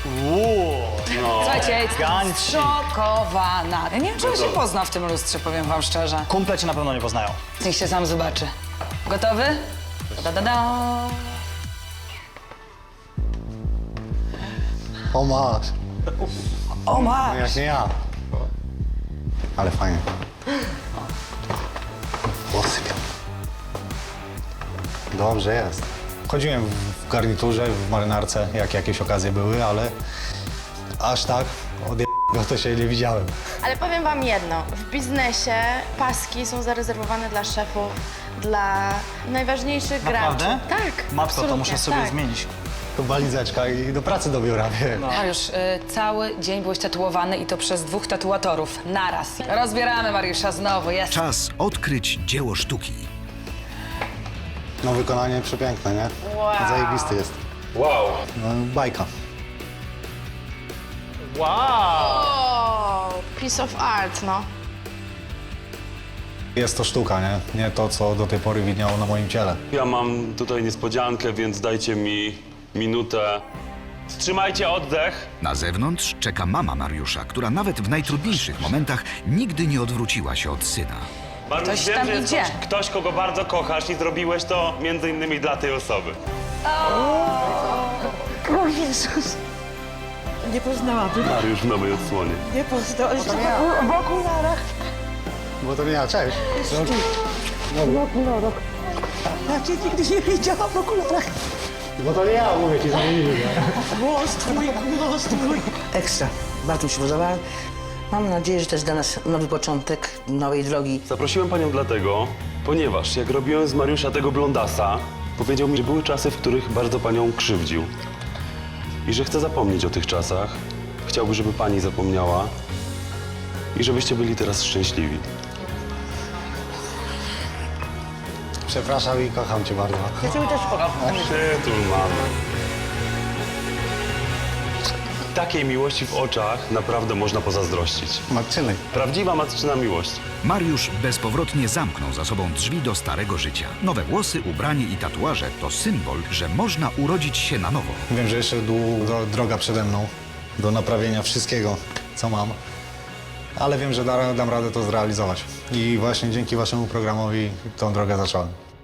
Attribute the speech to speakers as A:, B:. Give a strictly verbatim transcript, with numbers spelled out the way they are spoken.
A: Uuu, no.
B: Słuchajcie, ja jestem
A: Gancik.
B: zszokowana. Ja nie wiem, czy on się pozna w tym lustrze, powiem wam szczerze.
A: Kumple cię na pewno nie poznają.
B: Niech się sam zobaczy. Gotowy? Da, da, da.
C: O masz,
B: O ma!
C: no jak nie ja. Ale fajnie. Włosy białe. Dobrze jest. Chodziłem w garniturze, w marynarce, jak jakieś okazje były, ale aż tak od go to się nie widziałem.
D: Ale powiem wam jedno, w biznesie paski są zarezerwowane dla szefów, dla najważniejszych
A: Naprawdę?
D: graczy. Tak,
A: Matko, to
D: absolutnie,
A: muszę sobie
D: tak.
A: zmienić.
C: To walizeczka i do pracy do biura, wiem.
B: Mariusz, y, cały dzień byłeś tatuowany i to przez dwóch tatuatorów. Naraz. Rozbieramy Mariusza znowu, jest.
E: Czas odkryć dzieło sztuki.
C: No wykonanie przepiękne, nie?
D: Wow.
C: Zajebisty jest.
F: Wow.
C: No, bajka.
A: Wow!
D: O, piece of art, no.
C: Jest to sztuka, nie? Nie to, co do tej pory widniało na moim ciele.
F: Ja mam tutaj niespodziankę, więc dajcie mi minutę. Wstrzymajcie oddech.
E: Na zewnątrz czeka mama Mariusza, która nawet w najtrudniejszych momentach nigdy nie odwróciła się od syna.
F: Mariusz,
B: Ktoś
F: wiem,
B: tam
F: że jest
B: idzie.
F: ktoś, ktoś, kogo bardzo kochasz i zrobiłeś to między innymi dla tej osoby.
G: O Jezus! Nie poznałabym,
F: Mariusz w nowej odsłonie.
G: nie poznałabym. W okularach,
C: Bo to nie ja, cześć.
G: w okularach. Ja cię nigdy nie widziałam w okularach.
C: Bo to nie ja, mówię ci, zamienili.
G: Głos twój, głos twój. Ekstra, bardzo mi się podoba. Mam nadzieję, że to jest dla nas nowy początek nowej drogi.
F: Zaprosiłem panią dlatego, ponieważ jak robiłem z Mariusza tego blondasa, powiedział mi, że były czasy, w których bardzo panią krzywdził. I że chce zapomnieć o tych czasach. Chciałby, żeby pani zapomniała i żebyście byli teraz szczęśliwi.
C: Przepraszam i kocham cię bardzo.
G: Ja ciebie też kocham.
F: Przytul mamy. Takiej miłości w oczach naprawdę można pozazdrościć.
C: Matczyny.
F: Prawdziwa matczyna miłość.
E: Mariusz bezpowrotnie zamknął za sobą drzwi do starego życia. Nowe włosy, ubranie i tatuaże to symbol, że można urodzić się na nowo.
C: Wiem, że jeszcze długa droga przede mną do naprawienia wszystkiego, co mam. Ale wiem, że da, dam radę to zrealizować. I właśnie dzięki waszemu programowi tą drogę zacząłem.